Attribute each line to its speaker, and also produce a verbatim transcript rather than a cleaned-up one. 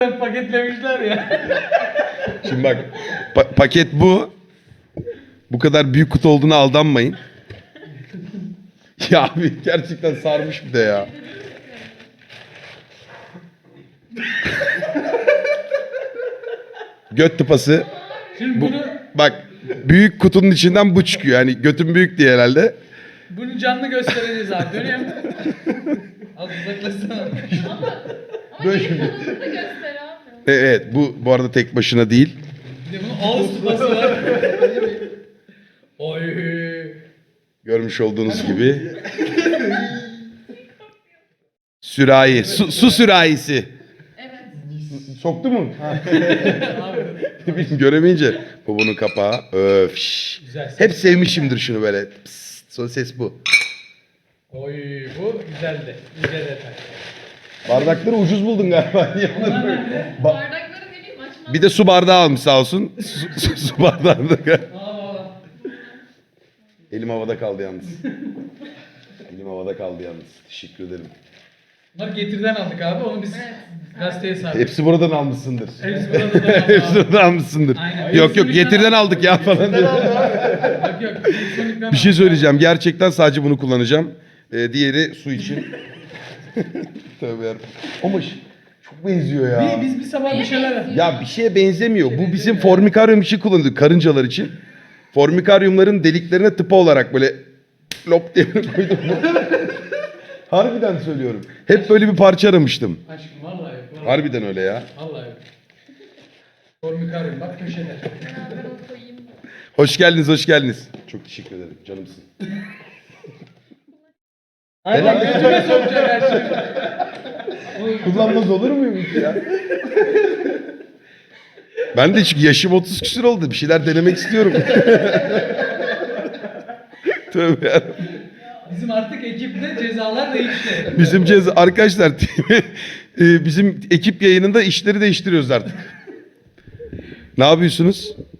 Speaker 1: paketlemişler ya.
Speaker 2: Şimdi bak pa- paket bu. Bu kadar büyük kutu olduğuna aldanmayın. Ya abi gerçekten sarmış bir de ya. Göt tıpası.
Speaker 1: Şimdi
Speaker 2: Bu,
Speaker 1: bunu
Speaker 2: bak büyük kutunun içinden bu çıkıyor. Yani götüm büyük diye herhalde.
Speaker 1: bunu canlı göstereceğiz abi. Dönüyor mu? Az uzaklaşsana.
Speaker 2: Böyle
Speaker 3: Ama
Speaker 2: şimdi.
Speaker 3: ilk adımını da göster abi.
Speaker 2: Evet bu bu arada tek başına değil.
Speaker 1: Bir de bunun ağız tutması var. Oy.
Speaker 2: Görmüş olduğunuz gibi. Sürahi. Su, su sürahisi.
Speaker 3: Evet.
Speaker 2: Soktu mu?
Speaker 1: Abi.
Speaker 2: Ne bileyim göremeyince. Bu bunun kapağı. Öf. şş.
Speaker 1: Güzel ses.
Speaker 2: Hep sevmişimdir şunu böyle. Psst, son ses bu.
Speaker 1: Oy bu güzeldi. Güzel detay.
Speaker 2: Bardakları ucuz buldun galiba.
Speaker 1: Onlar nerede?
Speaker 2: Ba-
Speaker 3: Bardakları ne bileyim açmaz.
Speaker 2: bir de su bardağı almış sağ olsun. Su, su, su bardağı da.
Speaker 1: Aa,
Speaker 2: Elim havada kaldı yalnız. Elim havada kaldı yalnız. Teşekkür ederim.
Speaker 1: bunları getirden aldık abi. Onu biz
Speaker 3: Evet.
Speaker 1: gazeteye sardık.
Speaker 2: Hepsi buradan almışsındır.
Speaker 1: Hepsi burada da
Speaker 2: Hepsi buradan almışsındır.
Speaker 1: Aynen.
Speaker 2: Yok yok getirden aldık ya falan diyor.
Speaker 1: Yok yok.
Speaker 2: Bir şey söyleyeceğim. Gerçekten sadece bunu kullanacağım. Ee, diğeri su için. Tövbe yarabbim. Ama ş- çok benziyor ya.
Speaker 1: Bir, biz bir sabah bir şeyler
Speaker 2: Ya bir şeye benzemiyor. Bu bizim formikaryum için kullanılıyor. Karıncalar için. Formikaryumların deliklerine tıpa olarak böyle lop diye koydum. Harbiden söylüyorum. Hep böyle bir parça aramıştım.
Speaker 1: Aşkım vallahi yok. Vallahi,
Speaker 2: Harbiden öyle ya.
Speaker 1: vallahi yok. Formikaryum bak köşede.
Speaker 3: Ben onu koyayım.
Speaker 2: Hoş geldiniz, hoş geldiniz. Çok teşekkür ederim. Canımsın.
Speaker 1: Aynen götüme sokacak her şeyi.
Speaker 2: Kullanmaz olur muyum hiç ya? Ben de çünkü yaşım otuz küsur oldu. Bir şeyler denemek istiyorum. Tövbe yarabbim.
Speaker 1: Bizim artık ekipte cezalar değişti.
Speaker 2: Bizim ceza arkadaşlar e, bizim ekip yayınında işleri değiştiriyoruz artık. Ne yapıyorsunuz?